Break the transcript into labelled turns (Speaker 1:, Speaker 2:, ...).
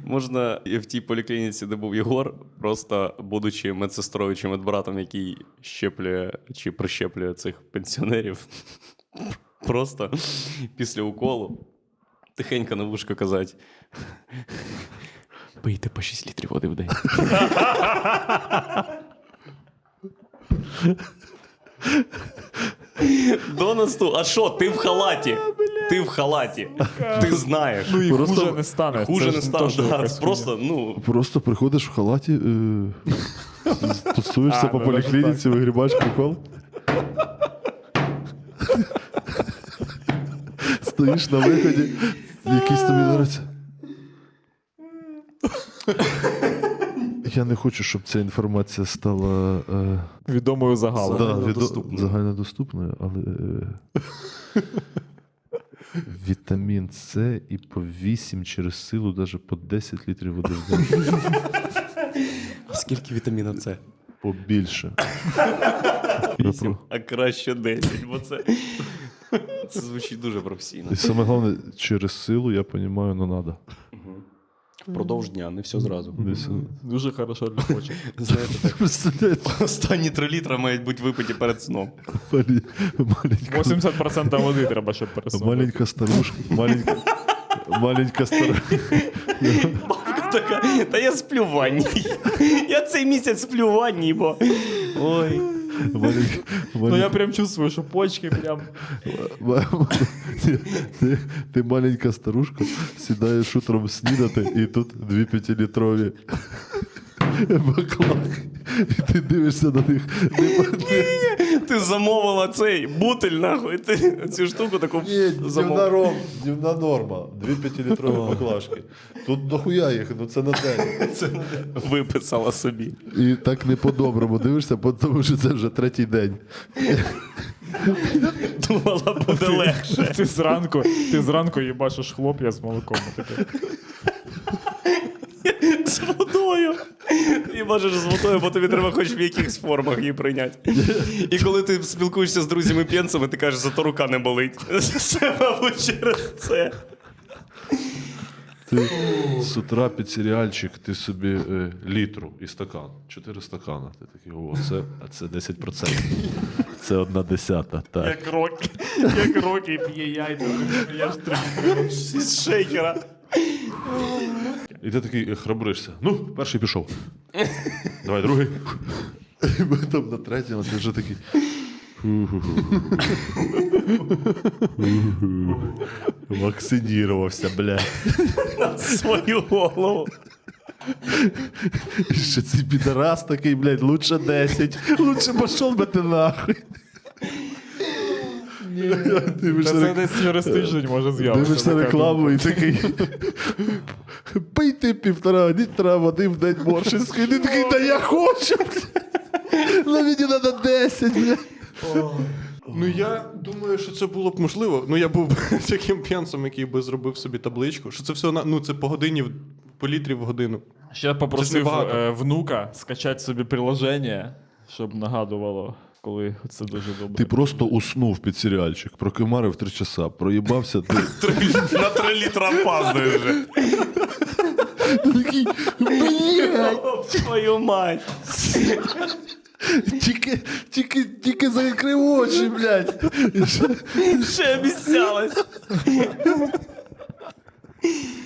Speaker 1: Можна і в тій поліклініці, де був Єгор, просто будучи медсестрою чи медбратом, який щеплює чи прищеплює цих пенсіонерів, просто після уколу тихенько на вушко казати: пийте по 6 літрів води в день. До насту. А що, ти в халаті? Ти в халаті. Ти знаєш.
Speaker 2: Ну і
Speaker 3: Просто
Speaker 2: хуже не стане.
Speaker 1: Хуже
Speaker 2: Це
Speaker 1: не
Speaker 2: ж
Speaker 1: стане.
Speaker 2: теж
Speaker 1: Да,
Speaker 2: якась
Speaker 1: просто, ну...
Speaker 3: Просто приходиш в халаті, тусуєшся по поліклініці, вигрібаєш прикол. Стоїш на виході, якийсь тобі нравиться. Я не хочу, щоб ця інформація стала
Speaker 2: відомою загалом.
Speaker 3: загальнодоступною, але вітамін С і по 8 через силу, навіть по 10 літрів води в день.
Speaker 1: А скільки вітаміна С?
Speaker 3: Побільше.
Speaker 1: 8, а краще 10, бо це звучить дуже професійно.
Speaker 3: І саме головне, через силу, я розумію, не треба.
Speaker 1: Впродовж дня, не все зразу.
Speaker 2: Дуже хорошо для почок.
Speaker 1: Знаєте, так, останні 3 літра мають бути випиті перед сном.
Speaker 2: 80% води треба, щоб пересунути.
Speaker 3: Маленька старушка, маленька старушка.
Speaker 1: Бабка така, та я сплю в ванні. Я цей місяць сплю в ванні, бо... Ой.
Speaker 2: Ну я прям чувствую, що почки прям...
Speaker 3: Ти маленька старушка, сідаєш утром снідати, і тут 2 5-літрові баклаки. І ти дивишся на них.
Speaker 1: Ти замовила цей бутиль, нахуй. Ти цю штуку таку замовила.
Speaker 3: Днівна норма. 2 5-літрові баклажки. Тут дохуя їх, ну це на день.
Speaker 1: Виписала собі.
Speaker 3: І так не по-доброму дивишся, тому що це вже 3-й день.
Speaker 1: Думала, буде легше.
Speaker 2: Ти зранку їбашиш хлоп'я з молоком.
Speaker 1: З водою. І бачиш з водою, бо тобі треба хоч в якихось формах її прийняти. І коли ти спілкуєшся з друзями-п'єнцями, ти кажеш, зато рука не болить. Це, мабуть, через це.
Speaker 3: Ти з утра під серіальчик, ти собі літру і стакан. 4 стакана. Ти такий, це 10%. Це 1/10. Так.
Speaker 2: Як роки п'є яйця. Я ж
Speaker 1: З шейкера.
Speaker 3: І ти такий храбришся. Ну, перший пішов. Давай, другий. І ми там на третьому, ти вже такий. Вакцинірувався, блядь.
Speaker 1: На свою голову.
Speaker 3: І ще цей підарас такий, блядь, лучше 10. Лучше пішов би ти нахуй.
Speaker 2: Це десь через тиждень може з'явитися.
Speaker 3: Дивишся рекламу і такий. Пийте 1,5 літра води в день моршинської. Ти такий, та я хочу. Ну мені треба 10, блядь.
Speaker 4: Ну, я думаю, що це було б можливо. Ну, я був таким п'янцем, який би зробив собі табличку. Що це все, ну, це по годині, по літрі в годину.
Speaker 2: Ще попросив
Speaker 4: небагато.
Speaker 2: внука скачати собі приложення, щоб нагадувало, коли це дуже добре.
Speaker 3: Ти просто уснув під серіальчик, прокимарив 3 часа, проїбався, ти
Speaker 1: На 3 літра опаздуєш вже.
Speaker 3: такий, блядь,
Speaker 1: Твою мать.
Speaker 3: тільки закрив очі, блядь.
Speaker 1: Ще обіцялась.